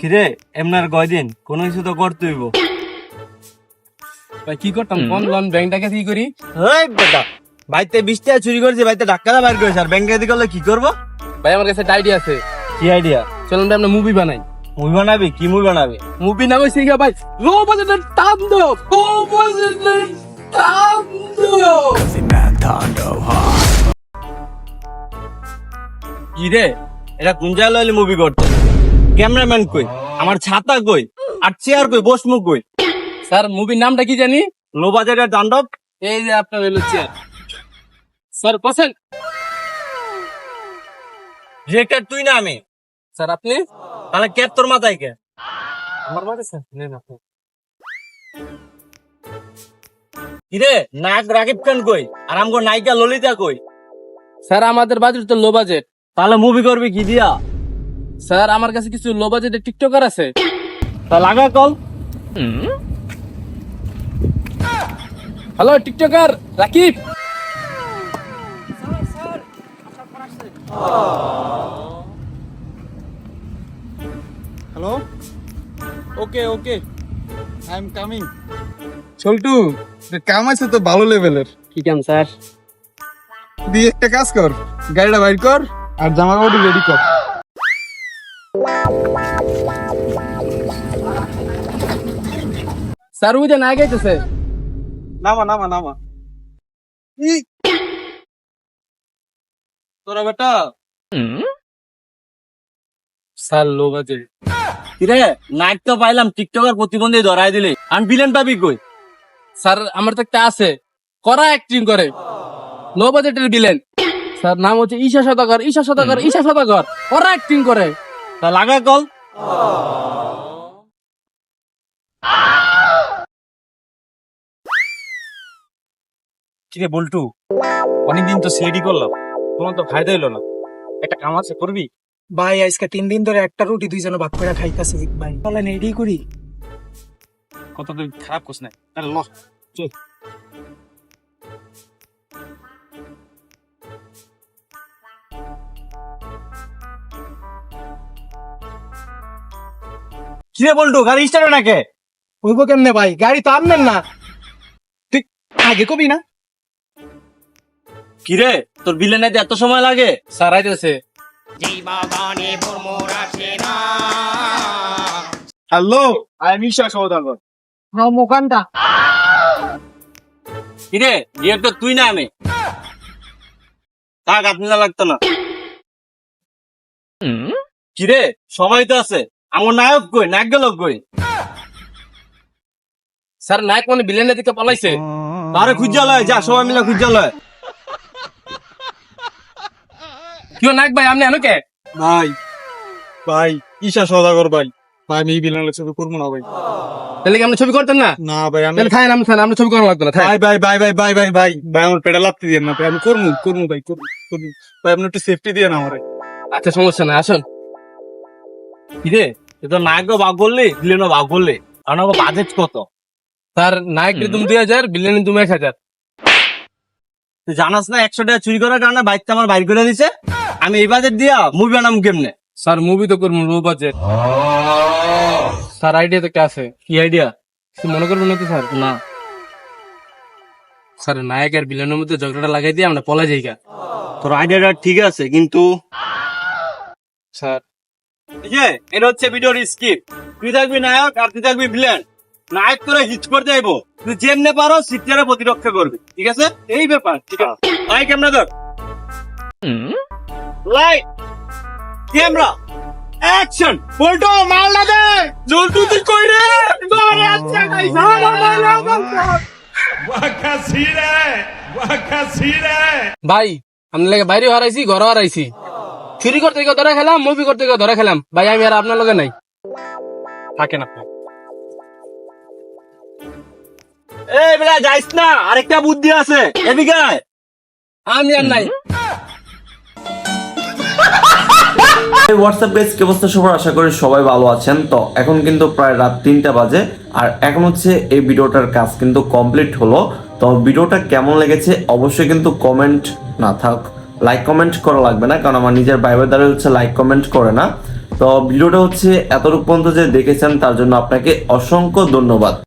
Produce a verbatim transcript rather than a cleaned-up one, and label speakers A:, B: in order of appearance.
A: কিরে এমনার কয়দিন কোনো কিছু তো করতে হইব।
B: ভাই কি করতাম কোন লোন ব্যাংক ডাকাতি করি।
A: এই বেটা ভাইতে বিশ টাকা চুরি করেছে, ভাইতে ডাক্কা বাইর করেছে, আর ব্যাংকে দিকে করলে কি করবো?
B: ভাই আমার কাছে একটা আইডিয়া আছে,
A: কি আইডিয়া?
B: চলুন ভাই আমরা মুভি বানাই।
A: মুভি বানাবি? কি মুভি বানাবি?
B: মুভি নাম হইছে কি ভাই, লো বাজেটের তান্দব। লো বাজেটের তান্দব।
A: কি রে এটা কোন জায়গায় লইলি মুভি করতে? ক্যামেরাম্যান কই, আমার ছাতা কই, আর চেয়ার কই, বসমু কই?
B: স্যার মুভির নামটা কি জানি?
A: লো বাজেটের তাণ্ডব।
B: এই যে আপনার হলো চেয়ার। স্যার বসেন।
A: ডিরেক্টর তুই না আমি?
B: স্যার আপনি?
A: তাহলে ক্যাপ তোর মাথায় কে?
B: আমার মাঝে স্যার নেন আপনি।
A: কিরে নায়ক রাকিব খান কই, আর আমগো নায়িকা ললিতা কই?
B: স্যার আমাদের বাজেট তো লো বাজেট।
A: তাহলে মুভি করবি কি দিয়া?
B: স্যার আমার কাছে কিছু লো বাজেটের টিকটকার আছে।
A: তা লাগা call.
B: Hello TikToker Rakib.
C: Hello, okay okay, I am coming. চলটু, কাম আছে তো ভালো লেভেলের।
B: কি কাম স্যার?
C: দিয়ে একটা কাজ কর, গাড়িটা বাইর কর আর জামা কাপড় রেডি কর।
B: স্যার ওই যে না গাইতেছে।
C: নামা নামা নামা। ই তোরা বেটা
B: স্যার লো বাজেট।
A: কিরে নায়ক তো পাইলাম, টিকটকার প্রতিবন্ধী ধরাই দিলে, আর ভিলেন পাবি কই?
B: স্যার আমার তো একটা আছে, করা অ্যাক্টিং করে, লো বাজেটের ভিলেন। স্যার নাম হচ্ছে ঈশা সদাগর। ঈশা সদাগর ঈশা সদাগর করা অ্যাক্টিং করে।
A: তা লাগা কল।
D: কিরে বল্টু, অনেকদিন তো সিএডি করলাম, তোমার তো ফায়দা হইলো না। একটা কাম আছে, করবি?
E: ভাই আজকে তিন দিন ধরে একটা রুটি দুইজনে ভাগ করে খাইতাছি ভাই, বলেন এডি করি।
D: কত তুই খারাপ করছ না, আরে ল চল।
A: কিরে বলটু গাড়ি স্টার্ট হয় না কে?
E: হইব কেমনে ভাই, গাড়ি তো আনবেন না, তুই আগে কবি না।
A: কিরে তোর ভিলেন আইতে এত সময় লাগে?
B: স্যার আইতেছে।
C: Hello, I am Isha Saudagar.
E: হ্যাঁ মোকানটা।
A: কিরে ডিরেক্টর তুই না আমি? থাক আপনি লাগতো না। কিরে সবাই তো আছে, আমার নায়ক কই, নায়ক গেল কই?
B: স্যার নায়ক মানে ভিলেনের দিকে পালাইছে।
A: তারে খুঁজা লয়, যা সবাই মিলে খুঁজা লয়।
B: কি নায়ক ভাই আপনি আনো কে?
C: ভাই ভাই ঈশা সওদাগর ভাই, ভাই আমি এই বিলালের ছবি করবো না ভাই।
B: তাহলে কি আপনি ছবি করতেন না?
C: না ভাই আমি
B: তাহলে থাকেন, আপনি থাকেন, আপনি ছবি করা লাগতো না।
C: ভাই ভাই ভাই ভাই ভাই ভাই ভাই ভাই আমার পেটে লাত্তি দিয়ে না ভাই, আমি করবো করবো ভাই করবো করবো ভাই, আপনি একটু সেফটি দিয়ে না আমারে।
B: আচ্ছা সমস্যা না, আসুন।
A: কিরে তুই তো নায়কও ভাগ করলি, ভিলেনও ভাগ করলি, আর ওকে বাজেট কত?
B: স্যার নায়কের তুমি দুই হাজার, ভিলেনের তুমি এক হাজার।
A: তুই জানাস না একশো টাকা চুরি করার কারণে বাইকটা আমার বাইর করে দিছে? আমি এই বাজেট দিয়া মুভি বানাম কেমনে?
B: স্যার মুভি তো করবো লো বাজেট। স্যার আইডিয়া তো একটা আছে।
A: কি আইডিয়া?
B: কিছু মনে করবেন না তো স্যার?
A: না
B: স্যার নায়ক আর ভিলেনের মধ্যে ঝগড়াটা লাগাই দিয়ে আমরা পলা যাই গা।
A: তোর আইডিয়াটা ঠিক আছে, কিন্তু
B: স্যার
A: এই যে এটা হচ্ছে ভিডিওর স্ক্রিপ্ট, তুই থাকবি নায়ক আর তুই থাকবি ভিলেন। নায়ক তোরা হিট করতে যাইবো, তুই যেমনে পারো সিটিয়ারে প্রতিরক্ষা করবি, ঠিক আছে? এই ব্যাপার, ঠিক আছে? লাইক ক্যামেরা ধর, লাইট ক্যামেরা অ্যাকশন। বলটো মাল না দে, জলটু তুই কই রে? বারে আচ্ছা গাইস, না না না
B: ভাই আমি লাগে বাইরে হারাইছি, ঘর হারাইছি, চুরি করতে গিয়ে ধরে খেলাম, মুভি করতে গিয়ে ধরে খেলাম। ভাই আমি আর আপনার লগে নাই।
D: থাকেন আপনি।
A: এই বেলা যাইস না, আরেকটা বুদ্ধি আছে, এদিকে আয়।
B: আমি আর নাই।
F: হোয়াটসঅ্যাপ পেজ কি অবস্থা সবার, আশা করি সবাই ভালো আছেন। তো এখন কিন্তু প্রায় রাত তিনটা বাজে, আর এখন হচ্ছে এই ভিডিওটার কাজ কিন্তু কমপ্লিট হলো। তো ভিডিওটা কেমন লেগেছে অবশ্যই কিন্তু কমেন্ট না থাক লাইক কমেন্ট করা লাগবে না, কারণ আমার নিজের ভাই বোনেরা হচ্ছে লাইক কমেন্ট করে না। তো তো ভিডিওটা হচ্ছে এতটুকু পর্যন্ত যে দেখেছেন তার জন্য আপনাকে অসংখ্য ধন্যবাদ।